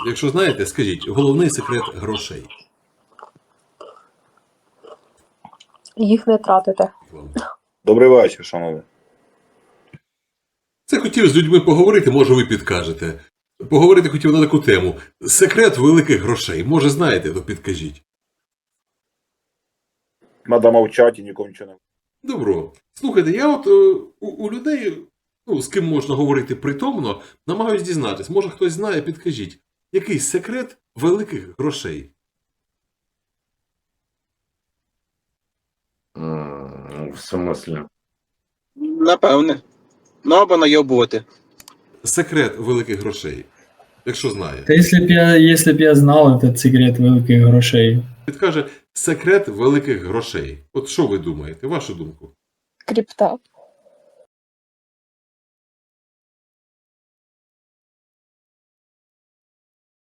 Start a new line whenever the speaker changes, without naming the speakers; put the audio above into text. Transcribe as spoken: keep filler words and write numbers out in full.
Якщо знаєте, скажіть, головний секрет грошей.
Їх не тратите.
Вам.
Добрий вечір, шановні.
Це хотів з людьми поговорити, може ви підкажете. Поговорити хотів на таку тему. Секрет великих грошей. Може знаєте, то підкажіть.
Надо мовчати і нікому нічого не...
Добро. Слухайте, я от е, у, у людей, ну, з ким можна говорити притомно, намагаюсь дізнатись. Може хтось знає, підкажіть. Який секрет великих грошей?
М, В смислі?
Напевне. Ну або найобувати.
Секрет великих грошей. Якщо знає.
Та если б я, если б я знал этот секрет великих грошей.
Підкаже секрет великих грошей. От що ви думаєте? Вашу думку.
Крипта.